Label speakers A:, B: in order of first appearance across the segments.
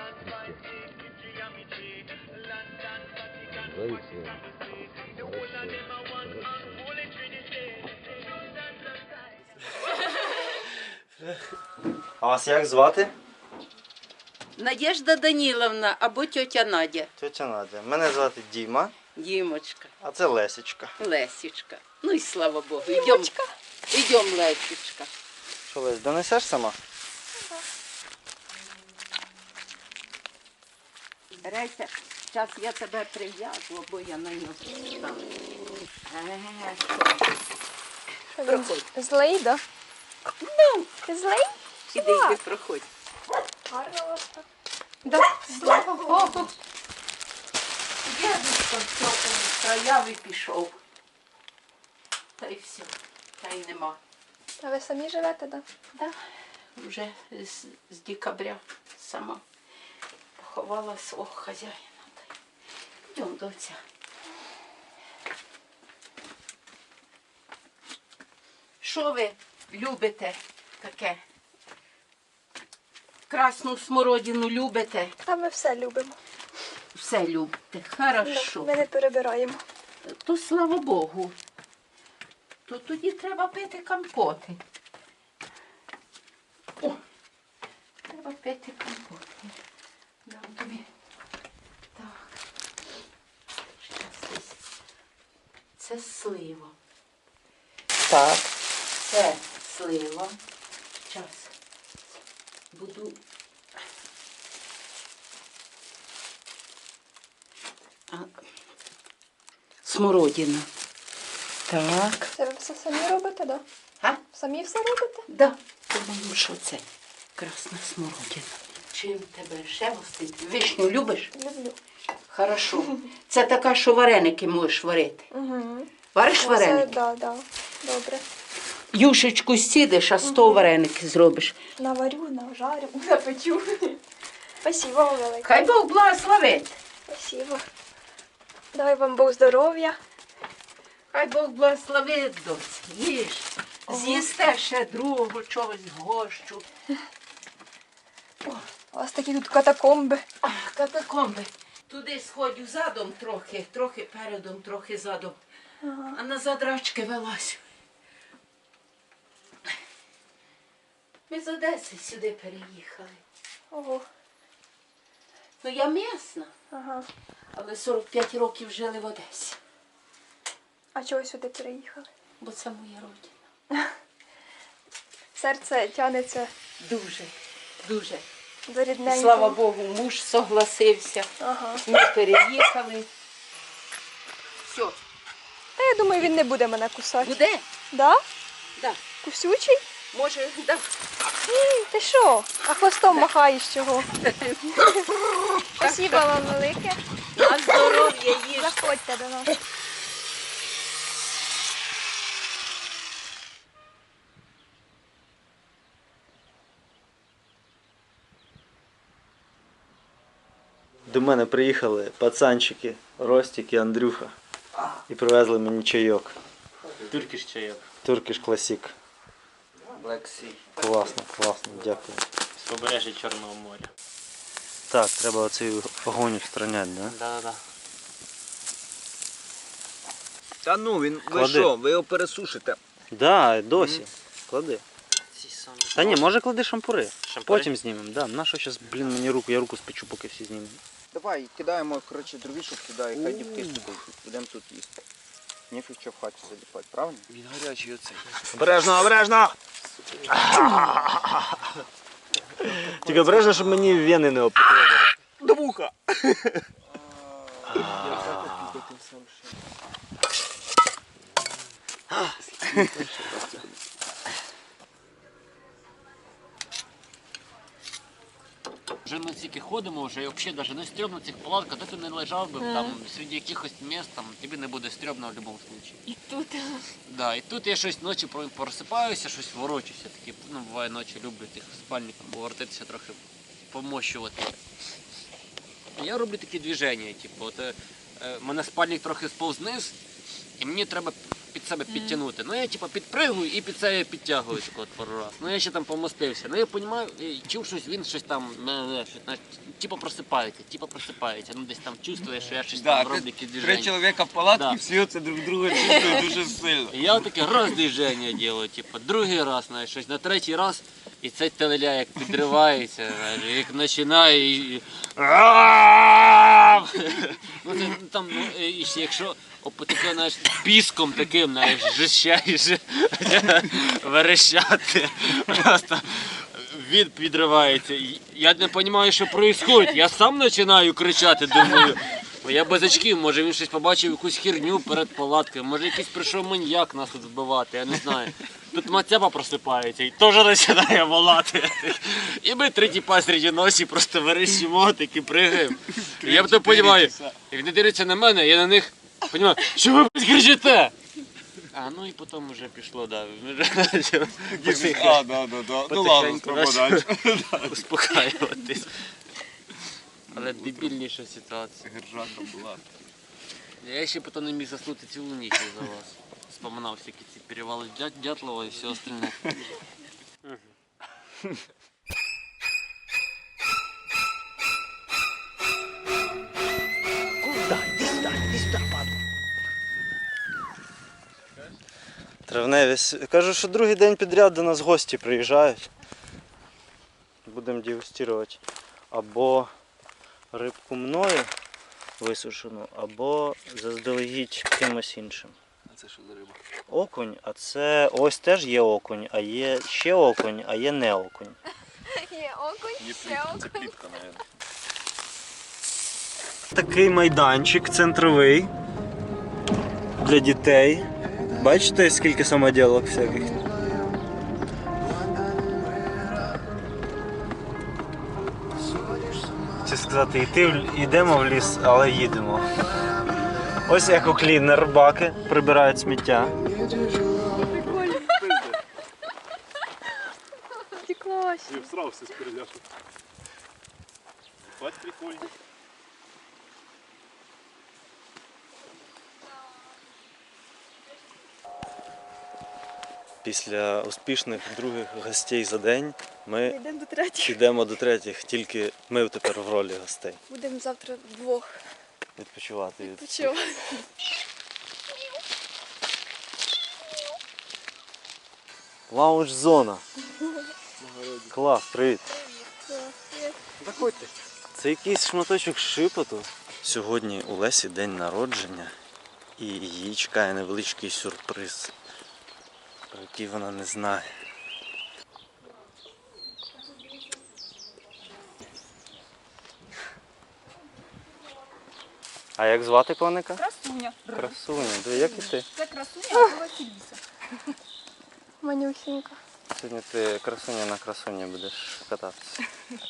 A: А вас як звати?
B: Надежда Даніловна або тьотя Надя.
A: Тетя Надя. Мене звати Діма,
B: Дімочка,
A: а це Лесічка.
B: Лесічка. Ну і слава Богу. Ідем, Лесічка.
A: Що, Лесь, донесеш сама?
B: Рейся, зараз я тебе прив'яжу, бо я на нього стану. Проходь.
C: Злий, да?
B: Ну,
C: Ти злий?
B: іди, йди, проходь.
C: Гарно у вас так.
B: Да, слава Богу. Дядечко в цьому краяві пішов. Та й все, та й нема.
C: А ви самі живете, да?
B: Да, вже з декабря сама поховала свого хазяїна. Йдемо, доця. Що ви любите таке? Красну смородину любите?
C: А ми все любимо.
B: Все любите.
C: Да,
B: Хорошо.
C: ми не перебираємо.
B: То слава Богу. То тоді треба пити компоти. О, треба пити компоти. Дам тобі. Так. Щас. Це слива.
A: Так.
B: Це слива. Час. Буду. Смородина. Так.
C: Це ви все самі робите, да?
B: А?
C: Самі все робите?
B: Да. Думаю, що це красна смородина. Чим тебе ще гостити? Вишню любиш?
C: Люблю.
B: Хорошо. Це така, що вареники можеш варити.
C: Угу.
B: Вариш вареники?
C: Да, да. Добре.
B: Юшечку сідеш, а 100 вареники зробиш.
C: Наварю, нажарю, напечу. Спасибо вам велике.
B: Хай Бог благословить.
C: Спасибо. Дай вам Бог здоров'я.
B: Хай Бог благословить, доці. Їж. З'їсте ще другого чогось гощу.
C: У вас такі тут катакомби.
B: Катакомби. Туди сходю задом трохи передом, трохи задом.
C: Ага.
B: А назад рачки велась. Ми з Одеси сюди переїхали.
C: Ого.
B: Ну я місна,
C: Ага.
B: але 45 років жили в Одесі.
C: А чого сюди переїхали?
B: Бо це моя родина.
C: Серце тянеться
B: Дуже, дуже.
C: до рідненького.
B: Слава Богу, муж согласився.
C: Ага.
B: Ми переїхали. Все.
C: Та я думаю, він не буде мене кусати.
B: Буде?
C: Да?
B: Да.
C: Кусючий?
B: Може, да.
C: Ти що? А хвостом махаєш чого? Спасибо вам велике.
B: На здоров'я їж.
C: Заходьте до нас.
A: До мене приїхали пацанчики, Ростик і Андрюха. І привезли мені чайок.
D: Туркіш чайок.
A: Turkish Classic.
D: Black Sea.
A: Класно, класно, дякую.
D: З побережжя Чорного моря.
A: Так, треба оцей огонь устраняти, да?
D: Да-да-да.
E: Та ну, ви
A: Клади.
E: що, ви його пересушите.
A: Да, досі. Клади.
D: Ці самі.
A: Та ні, може клади шампури.
D: Шампури?
A: Потім знімемо. Да. На що зараз, блін, мені руку, я руку спечу, поки всі знімемо.
E: Давай, кидаємо, коротше, дровішок кидай, хай дівки стукають. Будемо тут їсти. Ніфіг що в хаті заліпати, правильно? Він гарячий оцей.
A: Обережно, обережно! Тільки обережно, щоб мені вени не опекли.
E: До вуха!
D: Вже ми тільки ходимо, вже і взагалі навіть не стрьомно в цих палатках, де ти не лежав би там серед якихось міст, там тобі не буде стрьомно в будь-якому випадку.
C: І тут.
D: Да, і тут я щось ночі просипаюся, щось ворочуся. Такі, ну, буває ночі, люблю тих спальником повертатися трохи, помощувати. Я роблю такі движення, типу, от, мене спальник трохи сповз вниз, і мені треба під себе підтягнути. Ну я типу підпригую і під себе підтягую так от пару раз. Ну я ще там помостився. Ну я розумію, чув щось, він щось там, типу просипається. Ну десь там чувствує, що я щось там роблю якісь
E: Три
D: движення.
E: чоловіка в палатці,
D: Да.
E: всі оце друг друга чувствують дуже сильно.
D: І я таке раз движення делаю, типу, другий раз, знаєш, щось, на третій раз, і цей телеля як підривається, знаєш, як починає і... Ну, це, там, ну, і ще якщо таке, знаєш, піском таким, знаєш, жищаєш, верещати, просто він підривається. Я не розумію, що відбувається, я сам починаю кричати, думаю, я без очків, може він щось побачив, якусь херню перед палаткою, може якийсь прийшов маньяк нас тут вбивати, я не знаю. Тут Мацяпа просипається і теж починає волати. І ми три тіпа серед ночі просто верещимо, такі пригаємо. І я потім розумію, як вони дивляться на мене, я на них розумію, що ви кричите? А, ну і потім вже пішло, да.
E: Да. Ну ладно,
D: Потихеньку успокаюватись. Але дебільніша ситуація.
E: Гержака була.
D: Я ще потім не міг заснути цілу ніч за вас. Вспоминав всякі ці перевали Дятлова і все остальне.
A: Травневі. Кажу, що другий день підряд до нас гості приїжджають. Будемо дегустувати або рибку мною висушену, або заздалегідь кимось іншим.
E: А це що за риба?
A: Окунь, а це ось теж є окунь, а є ще окунь, а є не окунь.
C: Є окунь, ще окунь.
E: плітка, мабуть.
A: Такий майданчик центровий для дітей. Бачите, скільки самоділок всяких? Чи сказати, йдемо в ліс, але їдемо. Ось екоклінер, баки прибирають сміття.
C: Прикольно. Втеклась.
F: Я всрався з переляшу. Бать прикольно.
A: Після успішних других гостей за день ми
C: Йдемо до третіх.
A: йдемо до третіх, тільки ми тепер в ролі гостей.
C: Будемо завтра вдвох
A: Відпочивати від
C: відпочивати.
A: лаунж-зона. Клас, привіт.
E: Заходьте.
A: Це якийсь шматочок шипоту. Сьогодні у Лесі день народження і її чекає невеличкий сюрприз, про який вона не знає. А як звати коника?
C: Красуня.
A: Красуня. Як і ти?
C: Це красуня, а це Василіса. Манюсенька.
A: Сьогодні ти красуня на красуні будеш кататися.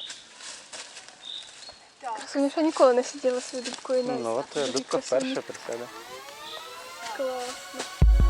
C: Красуня ще ніколи не сиділа своєю дубкою на
A: Ну от дубка вперше присяде.
C: Класно.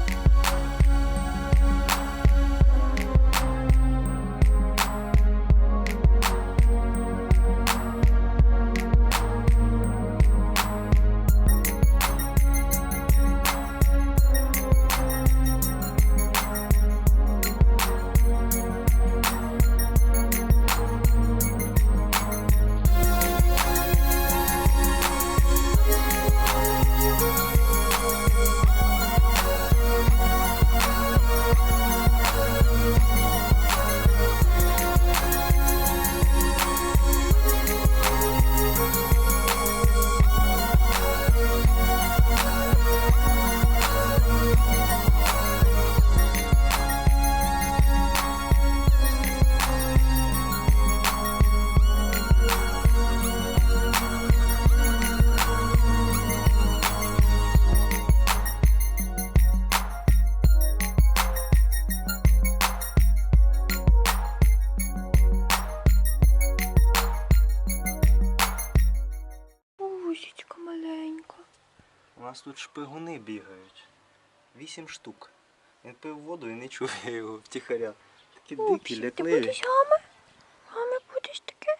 C: Бусечка маленька.
A: У нас тут шпигуни бігають. 8 штук. Він пив воду і не чує його втіхаря. Такі дикі,
C: Ти
A: лякливі.
C: будеш гами? Гами будеш таке?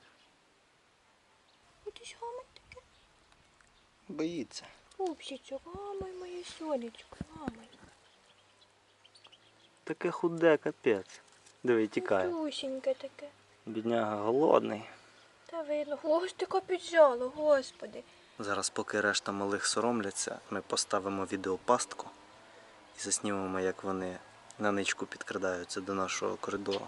C: Будеш гами таке?
A: Боїться.
C: Пупсичок, гамай моє сонечко, гамай.
A: Таке худе, капець. Диви, тікає.
C: Тусіньке таке.
A: Бідняга голодний.
C: Та видно. Хвостика піджало, господи.
A: Зараз, поки решта малих соромляться, ми поставимо відеопастку і заснімемо, як вони на ничку підкрадаються до нашого коридору.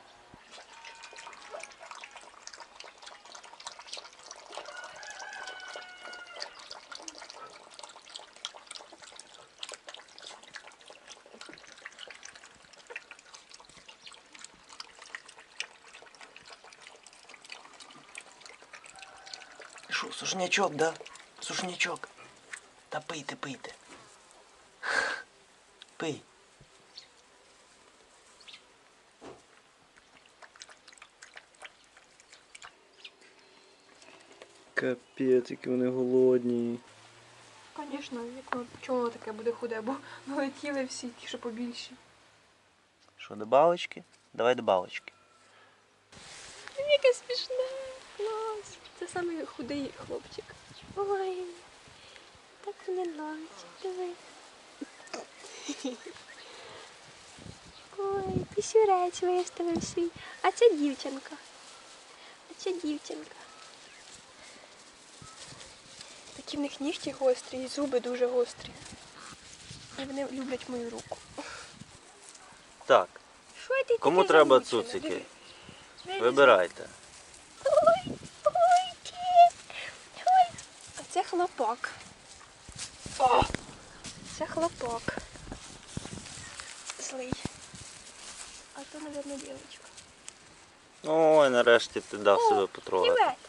A: Що, сушнячок, да? Сушнячок. Та пийте, пийте. Пий. Капець, які вони голодні.
C: Звісно, чому воно таке буде худе, бо налетіли всі ті, що побільші.
A: Що, добавочки? Давай добавочки.
C: Яке смішне. Клас. Це самий худий хлопчик. Ой, так мені нравиться. Диви. Ой, пісюрець виставив свій. А це дівчинка. Такі в них нігті гострі і зуби дуже гострі. І вони люблять мою руку.
A: Так,
C: Що ти
A: кому
C: таке
A: треба
C: замучена?
A: цуцики?
C: Диви.
A: Вибирайте.
C: Ой, ой, кіт. Ой. А це хлопок. О, це хлопок. Злий. А то, мабуть, дівчинка.
A: Ой, нарешті ти дав себе потрогати.
C: Привет.